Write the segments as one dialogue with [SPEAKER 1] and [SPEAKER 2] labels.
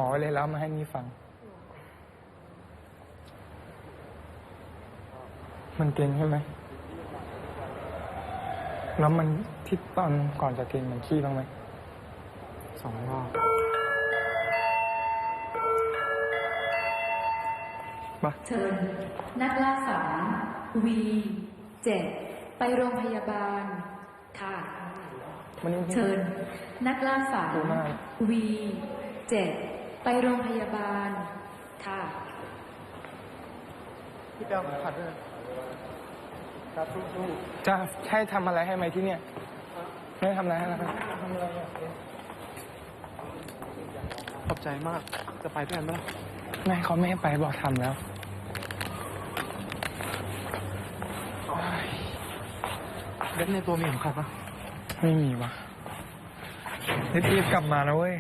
[SPEAKER 1] ไว้เลยแล้วมาให้นี่ฟังมันเก่งใช่ไหมแล้วมันที่ตอนก่อนจะเก่งมันขี้บ้างไหม2 รอบ
[SPEAKER 2] เชิญนักล่าฝัน V7 ไปโรงพยาบาลค่ะเชิญนักล่าฝัน V7 ไปโรงพยาบาลค่ะ
[SPEAKER 1] พี่เปียวขัดด้วยครับสู้ๆจะให้ทำอะไรให้ไหมที่เนี่ยไม่ทำอะไรให้นะครับทำอะไร
[SPEAKER 3] ขอบใจมากจะไปด้วยกันไหมล่ะ
[SPEAKER 1] แม่เขาไม่ให้ไปบอกทำแล้ว
[SPEAKER 3] เบ็ดในตัวมีของใครปะ
[SPEAKER 1] ไม่มีวะรีบกลับมานะเว้ย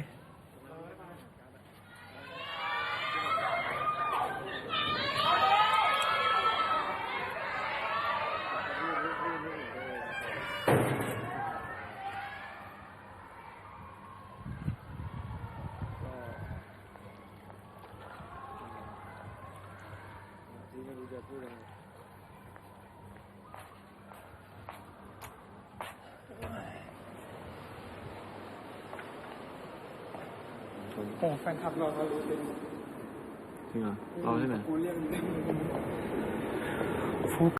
[SPEAKER 1] โอ้แฟนคลับเรารู้จริง
[SPEAKER 3] จริงเหรอเราใช่ไหม
[SPEAKER 1] กูเรียก